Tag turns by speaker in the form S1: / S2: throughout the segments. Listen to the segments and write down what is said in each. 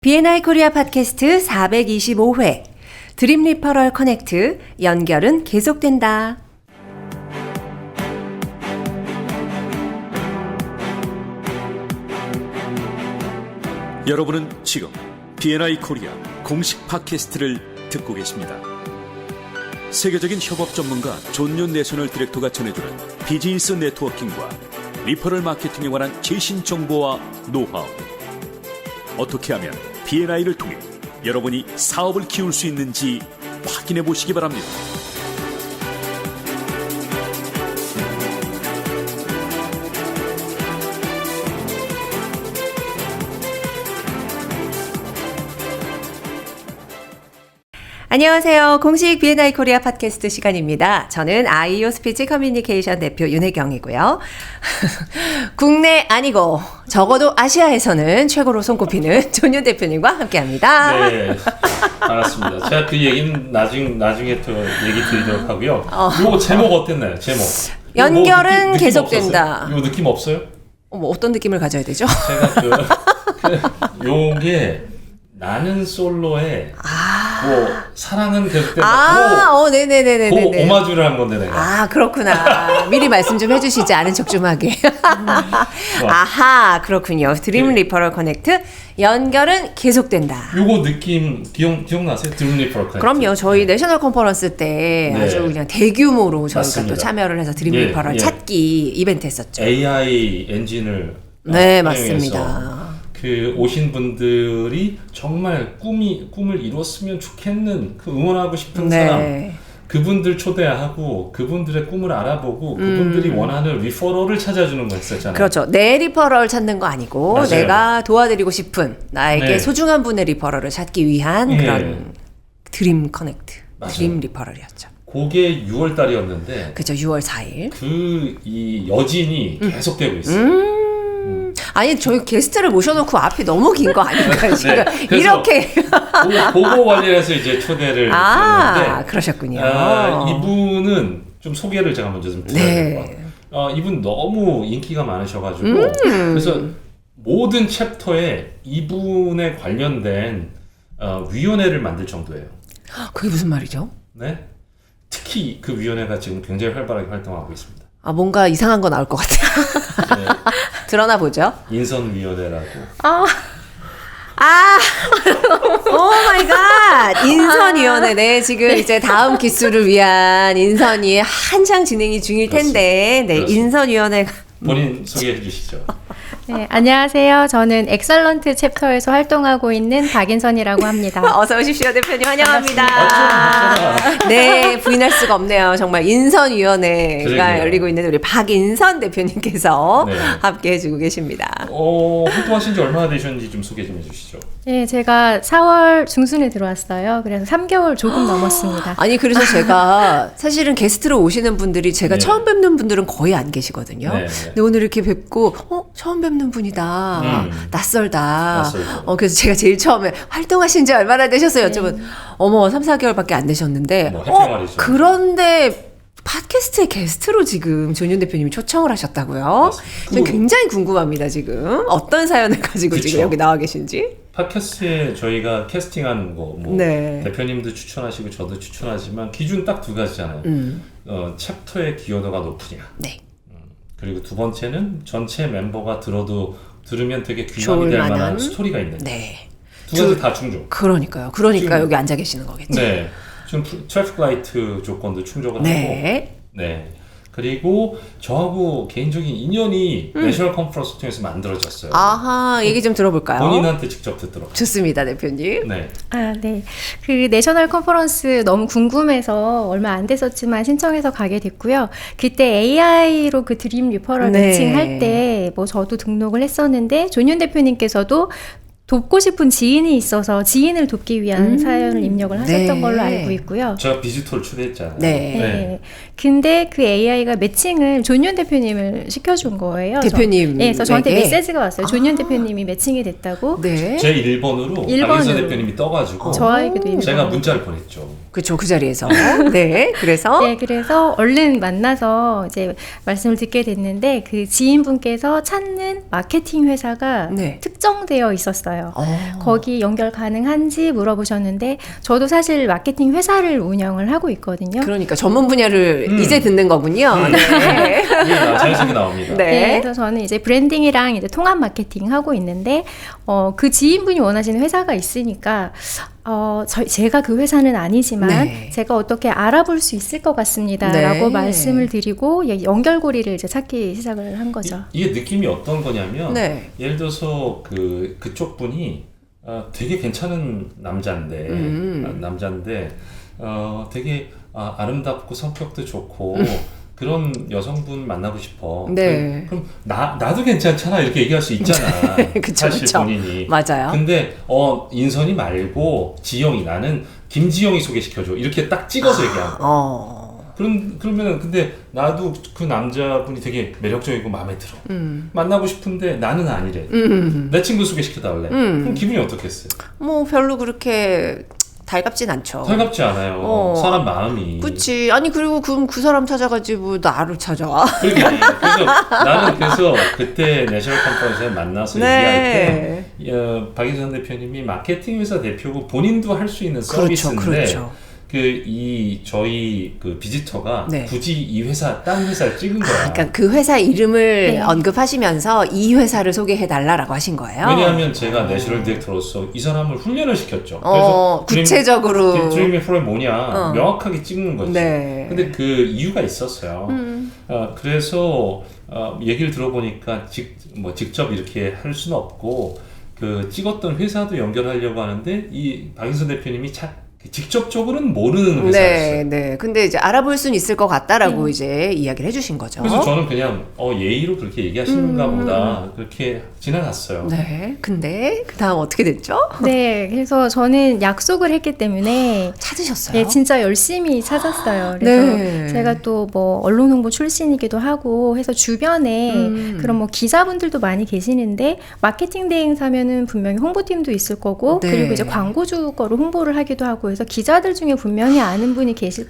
S1: B&I 코리아 팟캐스트 425회 드림 리퍼럴 커넥트 연결은 계속된다.
S2: 여러분은 지금 B&I 코리아 공식 팟캐스트를 듣고 계십니다. 세계적인 협업 전문가 존윤 내셔널 디렉터가 전해주는 비즈니스 네트워킹과 리퍼럴 마케팅에 관한 최신 정보와 노하우. 어떻게 하면 B&I를 통해 여러분이 사업을 키울 수 있는지 확인해 보시기 바랍니다.
S1: 안녕하세요. 공식 B&I 코리아 팟캐스트 시간입니다. 저는 아이오 스피치 커뮤니케이션 대표 윤혜경이고요. 국내 아니고 적어도 아시아에서는 최고로 손꼽히는 존윤 대표님과 함께합니다.
S3: 네, 알았습니다. 제가 그 얘기는 나중에 또 얘기 드리도록 하고요. 요 제목 어땠나요? 제목.
S1: 연결은
S3: 느낌
S1: 계속된다.
S3: 요 느낌 없어요?
S1: 어떤 느낌을 가져야 되죠?
S3: 제가 요게 나는 솔로에 뭐 사랑은 계속된다.
S1: 네네네네네.
S3: 그 오마주를 한 건데 내가.
S1: 그렇구나. 미리 말씀 좀 해주시지 않은 척 좀 하게. 아하, 그렇군요. 드림 리퍼럴 커넥트 연결은 계속된다.
S3: 요거 느낌 기억나세요? 드림 리퍼럴 커넥트.
S1: 그럼요. 저희 내셔널 컨퍼런스 때
S3: 네.
S1: 아주 그냥 대규모로 저희가
S3: 맞습니다.
S1: 또 참여를 해서 드림 리퍼럴 찾기 이벤트 했었죠.
S3: AI 엔진을
S1: 네,
S3: 활용해서
S1: 맞습니다.
S3: 그 오신 분들이 정말 꿈을 이뤘으면 좋겠는 그 응원하고 싶은 사람 그분들 초대하고 그분들의 꿈을 알아보고 그분들이 원하는 리퍼럴을 찾아주는 거 했었잖아요.
S1: 그렇죠. 내 리퍼럴 찾는 거 아니고
S3: 맞아요.
S1: 내가 도와드리고 싶은 나에게
S3: 네.
S1: 소중한 분의 리퍼럴을 찾기 위한 그런 드림 커넥트,
S3: 맞아요.
S1: 드림 리퍼럴이었죠.
S3: 그게 6월 달이었는데
S1: 그죠. 6월 4일.
S3: 이 여진이 계속되고 있어요.
S1: 아니 저희 게스트를 모셔놓고 앞이 너무 긴 거 아닌가요? 지금
S3: 그래서
S1: 이렇게
S3: 그거 관련해서 이제 초대를 드렸는데
S1: 그러셨군요.
S3: 이분은 좀 소개를 제가 먼저 좀 드려야 될 것 같아요. 이분 너무 인기가 많으셔가지고 그래서 모든 챕터에 이분에 관련된 위원회를 만들 정도예요.
S1: 그게 무슨 말이죠?
S3: 네, 특히 그 위원회가 지금 굉장히 활발하게 활동하고 있습니다.
S1: 뭔가 이상한 거 나올 것 같아요.
S3: 네,
S1: 드러나 보죠.
S3: 인선위원회라고.
S1: 오 마이 갓! 인선위원회. 네, 지금 이제 다음 기수를 위한 인선이 한창 진행이 중일 텐데, 네,
S3: 그렇습니다.
S1: 인선위원회가.
S3: 본인 소개해 주시죠.
S4: 네, 안녕하세요. 저는 엑설런트 챕터에서 활동하고 있는 박인선이라고 합니다.
S1: 어서 오십시오, 대표님. 환영합니다. 네, 부인할 수가 없네요. 정말 인선위원회가
S3: 그러게요.
S1: 열리고 있는 우리 박인선 대표님께서
S3: 네.
S1: 함께 해주고 계십니다.
S3: 활동하신 지 얼마나 되셨는지 좀 소개 좀 해주시죠.
S4: 네, 제가 4월 중순에 들어왔어요. 그래서 3개월 조금 넘었습니다.
S1: 아니, 그래서 제가 사실은 게스트로 오시는 분들이 제가
S3: 네.
S1: 처음 뵙는 분들은 거의 안 계시거든요.
S3: 네.
S1: 근데 오늘 이렇게 뵙고, 처음 뵙는 분이다. 낯설다. 그래서 제가 제일 처음에 활동하신 지 얼마나 되셨어요? 여쭤보면, 3, 4개월밖에 안 되셨는데,
S3: 뭐 해평알이죠.
S1: 그런데 팟캐스트의 게스트로 지금 존윤 대표님이 초청을 하셨다고요? 전 굉장히 궁금합니다, 지금. 어떤 사연을 가지고
S3: 그쵸.
S1: 지금 여기 나와 계신지.
S3: 팟캐스트에 저희가 캐스팅하는 거,
S1: 네.
S3: 대표님도 추천하시고 저도 추천하지만 기준 딱 두 가지잖아요. 챕터의 기여도가 높으냐.
S1: 네.
S3: 그리고 두 번째는 전체 멤버가 들으면 되게 귀감이
S1: 좋을
S3: 될
S1: 만한
S3: 만한 스토리가 있는.
S1: 네.
S3: 두 가지 다 충족.
S1: 그러니까
S3: 지금-
S1: 여기 앉아 계시는 거겠죠.
S3: 네. 지금 트래픽 라이트 조건도 충족을
S1: 네.
S3: 하고. 네. 그리고 저하고 개인적인 인연이 내셔널 컨퍼런스 통해서 만들어졌어요.
S1: 아하, 얘기 좀 들어볼까요?
S3: 본인한테 직접 듣도록.
S1: 좋습니다, 대표님.
S3: 네.
S4: 네. 그 내셔널 컨퍼런스 너무 궁금해서 얼마 안 됐었지만 신청해서 가게 됐고요. 그때 AI로 그 드림 리퍼럴
S1: 네.
S4: 매칭할 때 저도 등록을 했었는데 존윤 대표님께서도 돕고 싶은 지인이 있어서 지인을 돕기 위한 사연을 입력을 하셨던
S1: 네.
S4: 걸로 알고 있고요.
S3: 제가 비지터를 초대했잖아요.
S1: 네.
S4: 네. 근데 그 AI가 매칭을 존윤 대표님을 시켜준 거예요.
S1: 대표님.
S4: 네, 그래서 저한테 메시지가 왔어요. 존윤 대표님이 매칭이 됐다고.
S1: 네.
S3: 제 1번으로 박인선 대표님이 떠가지고
S4: 저에게도 이미
S3: 제가 문자를 보냈죠.
S1: 그쵸, 그 자리에서. 네, 그래서.
S4: 네, 그래서 얼른 만나서 이제 말씀을 듣게 됐는데 그 지인분께서 찾는 마케팅 회사가
S1: 네.
S4: 특정되어 있었어요. 있어요. 거기 연결 가능한지 물어보셨는데 저도 사실 마케팅 회사를 운영을 하고 있거든요.
S1: 그러니까 전문 분야를 이제 듣는 거군요. 네.
S3: 자연스럽게 나옵니다.
S1: 네.
S4: 네, 그래서 저는 이제 브랜딩이랑 이제 통합 마케팅 하고 있는데 그 지인분이 원하시는 회사가 있으니까 제가 그 회사는 아니지만
S1: 네.
S4: 제가 어떻게 알아볼 수 있을 것 같습니다라고
S1: 네.
S4: 말씀을 드리고 연결고리를 이제 찾기 시작을 한 거죠.
S3: 이게 느낌이 어떤 거냐면
S1: 네.
S3: 예를 들어서 그쪽 분이 되게 괜찮은 남자인데 되게 아름답고 성격도 좋고 그런 여성분 만나고 싶어.
S1: 네.
S3: 그럼 나도 괜찮잖아 이렇게 얘기할 수 있잖아.
S1: 그쵸,
S3: 사실
S1: 그쵸.
S3: 본인이.
S1: 맞아요.
S3: 근데 인선이 말고 지영이 나는 김지영이 소개시켜줘 이렇게 딱 찍어서 얘기하는 거야. 그러면은 근데 나도 그 남자분이 되게 매력적이고 마음에 들어. 만나고 싶은데 나는 아니래. 내 친구 소개시켜달래. 그럼 기분이 어떻겠어요?
S1: 뭐 별로 그렇게 달갑진 않죠.
S3: 살갑지 않아요. 사람 마음이.
S1: 그치. 아니 그리고 그럼 그 사람 찾아가지 뭐 나를 찾아와.
S3: 그러게. 그래서 나는 그때 내셔널 컨퍼런스에 만나서 얘기할 때 박인선 대표님이 마케팅 회사 대표고 본인도 할 수 있는 서비스인데
S1: 그렇죠.
S3: 저희 비지터가
S1: 네.
S3: 굳이 이 딴 회사를 찍은 거야.
S1: 그러니까 그 회사 이름을
S4: 네.
S1: 언급하시면서 이 회사를 소개해 달라라고 하신 거예요.
S3: 왜냐하면 제가 내셔널 디렉터로서 이 사람을 훈련을 시켰죠. 그래서
S1: 구체적으로
S3: 드림의 프로그램이 뭐냐 명확하게 찍는 거지.
S1: 네.
S3: 근데 그 이유가 있었어요. 그래서 얘기를 들어보니까 직접 이렇게 할 수는 없고 찍었던 회사도 연결하려고 하는데 이 박인선 대표님이 직접적으로는 모르는 회사였어요.
S1: 네. 근데 이제 알아볼 수는 있을 것 같다라고 이제 이야기를 해주신 거죠.
S3: 그래서 저는 그냥 예의로 그렇게 얘기하시는가 보다 그렇게 지나갔어요.
S1: 네. 근데 그 다음 어떻게 됐죠?
S4: 네, 그래서 저는 약속을 했기 때문에
S1: 찾으셨어요?
S4: 네, 진짜 열심히 찾았어요. 그래서
S1: 네.
S4: 제가 또 언론 홍보 출신이기도 하고 해서 주변에 그런 기자분들도 많이 계시는데 마케팅 대행사면은 분명히 홍보팀도 있을 거고
S1: 네.
S4: 그리고 이제 광고주 거로 홍보를 하기도 하고 해서 기자들 중에 분명히 아는 분이 계실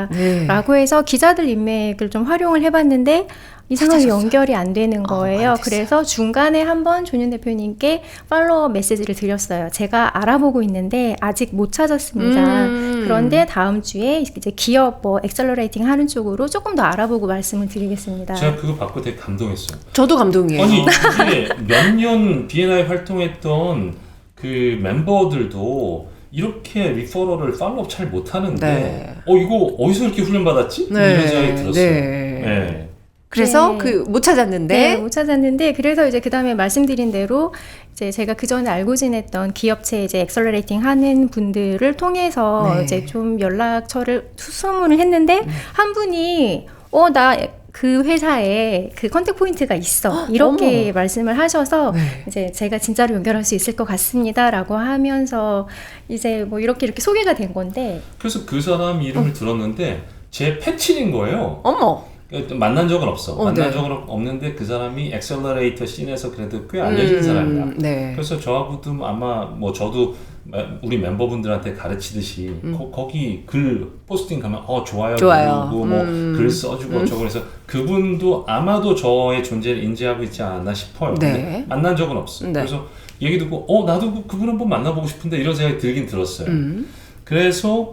S4: 거다라고 해서 기자들 인맥을 좀 활용을 해봤는데 이상하게
S1: 찾아셨어요?
S4: 연결이 안 되는 거예요.
S1: 안 됐어요.
S4: 그래서 중간에 한번 존윤 대표님께 팔로워 메시지를 드렸어요. 제가 알아보고 있는데 아직 못 찾았습니다. 그런데 다음 주에 이제 기업 액셀러레이팅 하는 쪽으로 조금 더 알아보고 말씀을 드리겠습니다.
S3: 제가 그거 받고 되게 감동했어요.
S1: 저도 감동이에요.
S3: 아니 이게 몇 년 B&I 활동했던 그 멤버들도 이렇게 리퍼럴을 팔로업 잘 못하는데
S1: 네.
S3: 이거 어디서 이렇게 훈련받았지? 이런 생각이 들었어요.
S1: 네. 그래서
S4: 네.
S1: 못 찾았는데
S4: 네, 못 찾았는데 그래서 이제 그 다음에 말씀드린 대로 이제 제가 그 전에 알고 지냈던 기업체 이제 엑셀러레이팅 하는 분들을 통해서
S1: 네.
S4: 이제 좀 연락처를 수소문을 했는데 한 분이 나 그 회사에 그 컨택 포인트가 있어 이렇게 말씀을 하셔서
S1: 네.
S4: 이제 제가 진짜로 연결할 수 있을 것 같습니다라고 하면서 이제 이렇게 소개가 된 건데
S3: 그래서 그 사람 이름을 들었는데 제 패친인 거예요.
S1: 어머.
S3: 만난 적은 없어. 만난
S1: 네.
S3: 적은 없는데 그 사람이 엑셀러레이터 씬에서 그래도 꽤 알려진 사람이다.
S1: 네.
S3: 그래서 저하고도 아마 저도 우리 멤버분들한테 가르치듯이 거기 글 포스팅 가면 좋아요. 누르고 글 써주고 어쩌고 그래서 그분도 아마도 저의 존재를 인지하고 있지 않나 싶어요.
S1: 네.
S3: 근데 만난 적은 없어요.
S1: 네.
S3: 그래서 얘기 듣고 나도 그분 한번 만나보고 싶은데 이런 생각이 들긴 들었어요. 그래서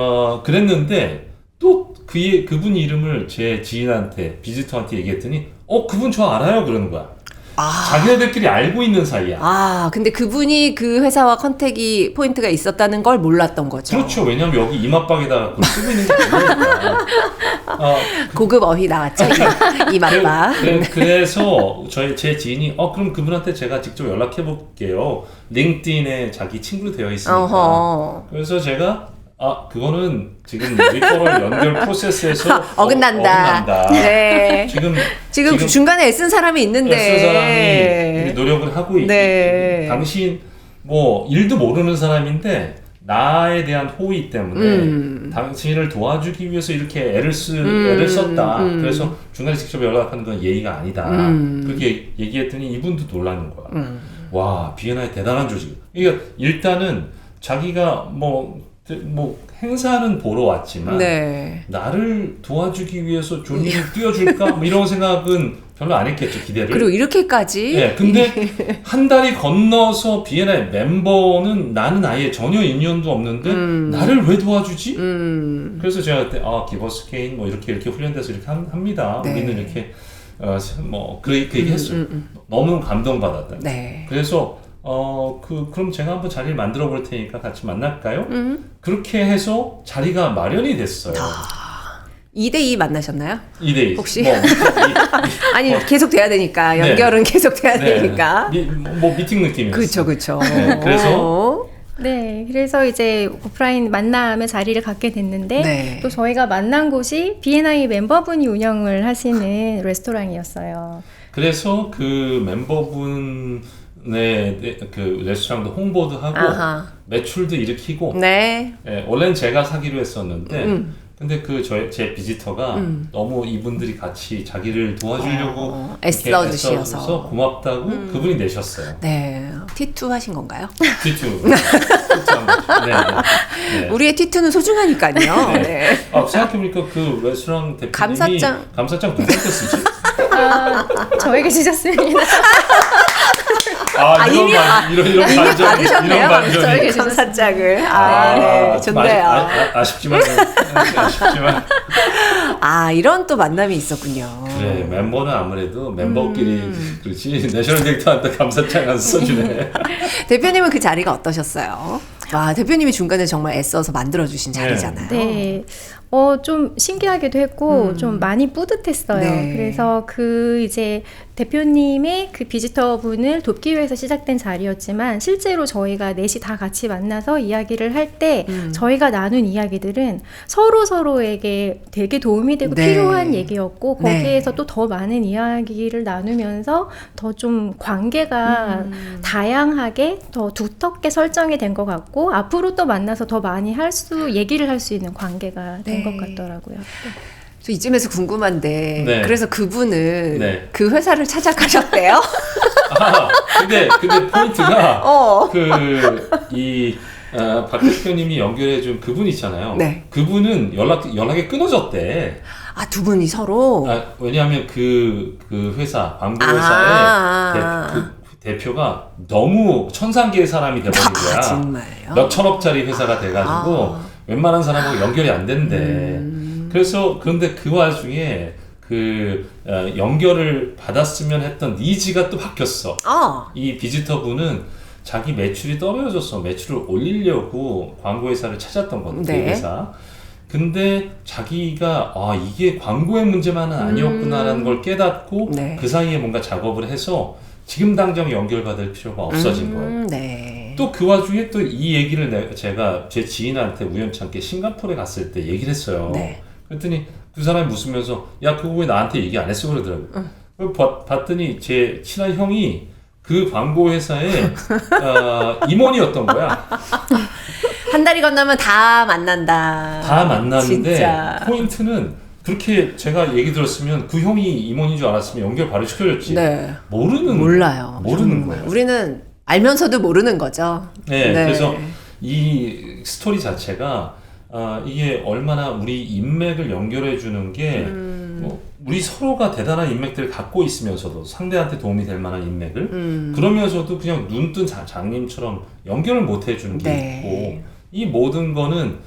S3: 그랬는데 또 그분 이름을 제 지인한테 비지터한테 얘기했더니 그분 저 알아요 그러는 거야. 자기네들끼리 알고 있는 사이야.
S1: 근데 그분이 그 회사와 컨택이 포인트가 있었다는 걸 몰랐던 거죠.
S3: 그렇죠. 왜냐면 여기 이마박에다가 그걸 쓰고 있는 게 아니니까.
S1: 고급 어휘 나왔죠. 이 맛바.
S3: 그래서 제 지인이 그럼 그분한테 제가 직접 연락해 볼게요. 링크드인에 자기 친구로 되어 있으니까.
S1: 어허.
S3: 그래서 제가 그거는 지금 리퍼럴 연결 프로세스에서
S1: 어긋난다. 네. 지금 중간에 애쓴 사람이 있는데.
S3: 애쓴 사람이 노력을 하고
S1: 네.
S3: 당신 일도 모르는 사람인데 나에 대한 호의 때문에 당신을 도와주기 위해서 이렇게 애를 썼다. 그래서 중간에 직접 연락하는 건 예의가 아니다. 그렇게 얘기했더니 이분도 놀라는 거야. 와, B&I 대단한 조직. 그러니까 일단은 자기가 뭐 행사는 보러 왔지만
S1: 네.
S3: 나를 도와주기 위해서 존이 뛰어줄까? 뭐 이런 생각은 별로 안 했겠죠, 기대를.
S1: 그리고 이렇게까지.
S3: 네, 근데 한 달이 건너서 비엔나의 멤버는 나는 아예 전혀 인연도 없는데 나를 왜 도와주지? 그래서 제가 그때 기버스케인 뭐 이렇게 훈련돼서 이렇게 합니다.
S1: 네.
S3: 우리는 이렇게 그 얘기 했어요. 너무 감동받았다.
S1: 네.
S3: 그래서 그럼 제가 한번 자리를 만들어 볼 테니까 같이 만날까요? 그렇게 해서 자리가 마련이 됐어요.
S1: 2대2 만나셨나요?
S3: 2대2.
S1: 혹시?
S3: 뭐,
S1: 아니 계속 돼야 되니까 연결은 계속 돼야 되니까.
S3: 뭐 미팅 느낌이었어요.
S1: 그렇죠.
S3: 네, 그래서
S4: 네, 그래서 이제 오프라인 만남의 자리를 갖게 됐는데
S1: 네.
S4: 또 저희가 만난 곳이 B&I 멤버분이 운영을 하시는 레스토랑이었어요.
S3: 그래서 그 멤버분의 그 레스토랑도 홍보도 하고
S1: 아하.
S3: 매출도 일으키고
S1: 네.
S3: 원래는 제가 사기로 했었는데 근데 제 비지터가 너무 이분들이 같이 자기를 도와주려고
S1: 애써주셔서.
S3: 애써서 고맙다고 그분이 내셨어요.
S1: 네. T2 하신 건가요?
S3: T2. 네.
S1: 우리의 T2는 소중하니까요.
S3: 네.
S1: 네.
S3: 생각해보니까 그 레스토랑 대표님이
S1: 감사장
S3: 누구한테 쓰지?
S4: 저에게 주셨습니다.
S1: 이미 받으셨네요.
S3: 이런 반전이.
S4: 저에게
S1: 감사장을. 네.
S3: 좀
S1: 좋네요.
S3: 아쉽지만
S1: 이런 또 만남이 있었군요.
S3: 그래, 멤버는 아무래도 멤버끼리 그렇지 내셔널 디렉터한테 감사장 안 써주네.
S1: 대표님은 그 자리가 어떠셨어요? 와, 대표님이 중간에 정말 애써서 만들어주신 자리잖아요.
S4: 네. 좀 신기하기도 했고 좀 많이 뿌듯했어요.
S1: 네.
S4: 그래서 이제 대표님의 그 비지터 분을 돕기 위해서 시작된 자리였지만 실제로 저희가 넷이 다 같이 만나서 이야기를 할 때 저희가 나눈 이야기들은 서로에게 되게 도움이 되고
S1: 네.
S4: 필요한 얘기였고 거기에서
S1: 네.
S4: 또 더 많은 이야기를 나누면서 더 좀 관계가 다양하게 더 두텁게 설정이 된 것 같고 앞으로 또 만나서 더 많이 얘기를 할 수 있는 관계가 된 것 같더라고요.
S1: 저 이쯤에서 궁금한데
S3: 네.
S1: 그래서 그분은
S3: 네.
S1: 그 회사를 찾아가셨대요?
S3: 근데 포인트가
S1: 어.
S3: 박 대표님이 연결해준 그분 있잖아요.
S1: 네.
S3: 그분은 연락이 끊어졌대.
S1: 두 분이 서로?
S3: 왜냐하면 그 회사 광고 회사의 대표가 너무 천상계의 사람이 돼버린 거야.
S1: 정말요?
S3: 몇 천억짜리 회사가 돼가지고 웬만한 사람하고 연결이 안 된대. 그런데 그 와중에 연결을 받았으면 했던 니즈가 또 바뀌었어. 이 비지터 분은 자기 매출이 떨어졌어. 매출을 올리려고 광고 회사를 찾았던 거거든.
S1: 네.
S3: 그 회사. 근데 자기가 이게 광고의 문제만은 아니었구나라는 걸 깨닫고
S1: 네.
S3: 그 사이에 뭔가 작업을 해서 지금 당장 연결받을 필요가 없어진 거예요.
S1: 네.
S3: 또 그 와중에 또 이 얘기를 제가 제 지인한테 우연찮게 싱가포르에 갔을 때 얘기를 했어요.
S1: 네.
S3: 그랬더니 그 사람이 웃으면서 야 그거 왜 나한테 얘기 안 했어 그러더라고요. 봤더니 제 친한 형이 그 광고 회사의 임원이었던 거야.
S1: 한 달이 건너면 다 만난다.
S3: 다 만났는데
S1: 진짜.
S3: 포인트는 그렇게 제가 얘기 들었으면 그 형이 임원인 줄 알았으면 연결 바로 시켜줬지.
S1: 네.
S3: 몰라요. 모르는
S1: 정말.
S3: 거예요.
S1: 우리는 알면서도 모르는 거죠.
S3: 네, 그래서 이 스토리 자체가 이게 얼마나 우리 인맥을 연결해 주는 게 우리 서로가 대단한 인맥들을 갖고 있으면서도 상대한테 도움이 될 만한 인맥을 그러면서도 그냥 눈뜬 장님처럼 연결을 못 해주는 게
S1: 네.
S3: 있고 이 모든 거는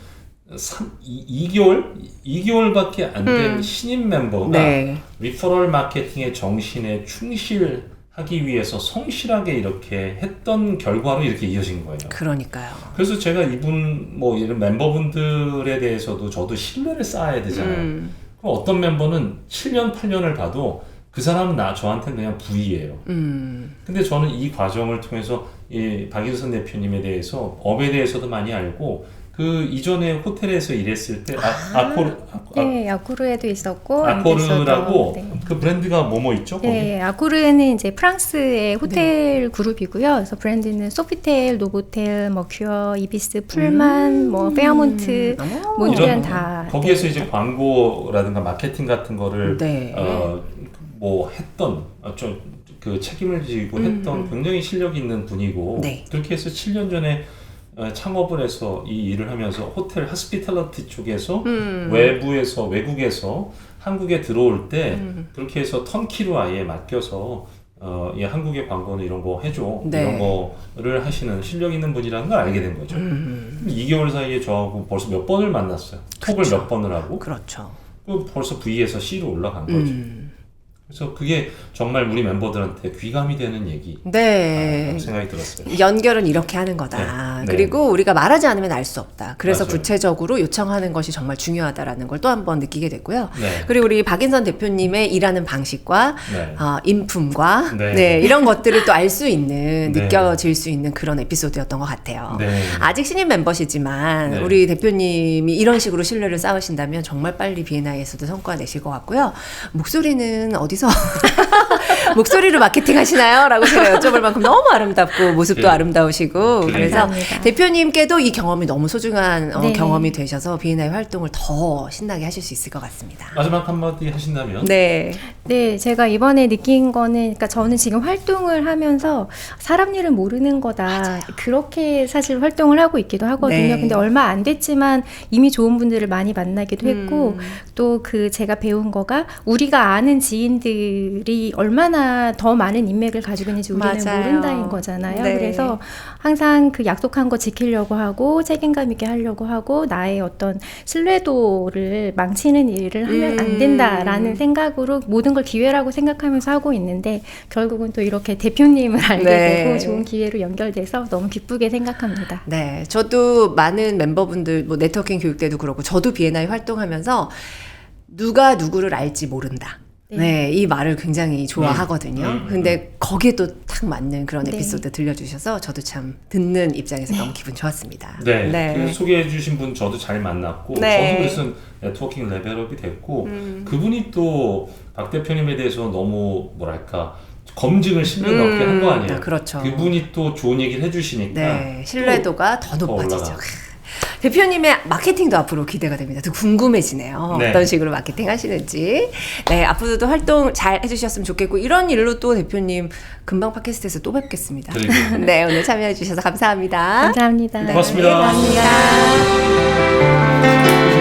S3: 2개월밖에 안 된 신인 멤버가
S1: 네.
S3: 리퍼럴 마케팅의 정신에 충실하기 위해서 성실하게 이렇게 했던 결과로 이렇게 이어진 거예요.
S1: 그러니까요.
S3: 그래서 제가 이분 이런 멤버분들에 대해서도 저도 신뢰를 쌓아야 되잖아요. 그럼 어떤 멤버는 7년, 8년을 봐도 그 사람은 저한테는 그냥 부이예요. 근데 저는 이 과정을 통해서 이 박인선 대표님에 대해서 업에 대해서도 많이 알고 그 이전에 호텔에서 일했을 때
S4: 네, 아쿠르에도 있었고
S3: 아코르라고
S4: 네.
S3: 그 브랜드가 뭐뭐 있죠? 거기?
S4: 네, 아쿠르는 이제 프랑스의 호텔 그룹이고요. 그래서 브랜드는 소피텔, 노보텔, 머큐어, 이비스, 풀만, 페어몬트, 몬디안 다.
S3: 거기에서 이제 광고라든가 마케팅 같은 거를
S1: 네.
S3: 했던 그 책임을 지고 했던 굉장히 실력 있는 분이고
S1: 네.
S3: 그렇게 해서 7년 전에 창업을 해서 이 일을 하면서 호텔 하스피탈리티 쪽에서 외국에서 한국에 들어올 때 그렇게 해서 턴키로 아예 맡겨서 이 한국의 광고는 이런 거 해줘
S1: 네.
S3: 이런 거를 하시는 실력 있는 분이라는 걸 알게 된 거죠. 2개월 사이에 저하고 벌써 몇 번을 만났어요. 톡을 몇 번을 하고
S1: 그렇죠.
S3: 벌써 V에서 C로 올라간 거죠. 그래서 그게 정말 우리 멤버들한테 귀감이 되는 얘기
S1: 네.
S3: 생각이 들었어요.
S1: 연결은 이렇게 하는 거다.
S3: 네.
S1: 그리고 우리가 말하지 않으면 알 수 없다. 그래서
S3: 맞아요.
S1: 구체적으로 요청하는 것이 정말 중요하다라는 걸 또 한 번 느끼게 됐고요.
S3: 네.
S1: 그리고 우리 박인선 대표님의 일하는 방식과
S3: 네.
S1: 인품과
S3: 네.
S1: 네, 이런 것들을 또 알 수 있는
S3: 네.
S1: 느껴질 수 있는 그런 에피소드였던 것 같아요.
S3: 네.
S1: 아직 신인 멤버시지만
S3: 네.
S1: 우리 대표님이 이런 식으로 신뢰를 쌓으신다면 정말 빨리 B&I에서도 성과 내실 것 같고요. 목소리는 어디서 목소리로 마케팅 하시나요? 라고 제가 여쭤볼 만큼 너무 아름답고 모습도
S3: 네.
S1: 아름다우시고 그래서
S4: 감사합니다.
S1: 대표님께도 이 경험이 너무 소중한
S4: 네.
S1: 경험이 되셔서 B&I 활동을 더 신나게 하실 수 있을 것 같습니다.
S3: 마지막 한마디 하신다면
S1: 네.
S4: 네, 제가 이번에 느낀 거는, 그러니까 저는 지금 활동을 하면서 사람 일은 모르는 거다. 그렇게 사실 활동을 하고 있기도 하거든요.
S1: 네.
S4: 근데 얼마 안 됐지만 이미 좋은 분들을 많이 만나기도 했고, 또 그 제가 배운 거가 우리가 아는 지인들이 얼마나 더 많은 인맥을 가지고 있는지 우리는
S1: 맞아요.
S4: 모른다는 거잖아요.
S1: 네.
S4: 그래서 항상 그 약속한 거 지키려고 하고, 책임감 있게 하려고 하고, 나의 어떤 신뢰도를 망치는 일을 하면 안 된다라는 생각으로 모든 걸 기회라고 생각하면서 하고 있는데 결국은 또 이렇게 대표님을 알게
S1: 네.
S4: 되고 좋은 기회로 연결돼서 너무 기쁘게 생각합니다.
S1: 네, 저도 많은 멤버분들, 뭐 네트워킹 교육 때도 그렇고, 저도 B&I 활동하면서 누가 누구를 알지 모른다. 네, 이 말을 굉장히 좋아하거든요. 근데 거기에 또 딱 맞는 그런
S4: 네.
S1: 에피소드 들려주셔서 저도 참 듣는 입장에서 너무 기분 좋았습니다.
S3: 네, 그 소개해주신 분 저도 잘 만났고
S1: 네.
S3: 저도 그래서 네트워킹 레벨업이 됐고 그분이 또 박 대표님에 대해서 너무 뭐랄까 검증을 10년 넘게 한 거 아니에요.
S1: 그렇죠.
S3: 그분이 또 좋은 얘기를 해주시니까
S1: 네, 신뢰도가 더 높아지죠.
S3: 올라가고.
S1: 대표님의 마케팅도 앞으로 기대가 됩니다. 더 궁금해지네요.
S3: 네.
S1: 어떤 식으로 마케팅 하시는지. 네, 앞으로도 활동 잘 해주셨으면 좋겠고, 이런 일로 또 대표님 금방 팟캐스트에서 또 뵙겠습니다.
S3: 그러게요.
S1: 네, 오늘 참여해주셔서 감사합니다.
S4: 감사합니다.
S3: 고맙습니다.
S1: 네, 감사합니다.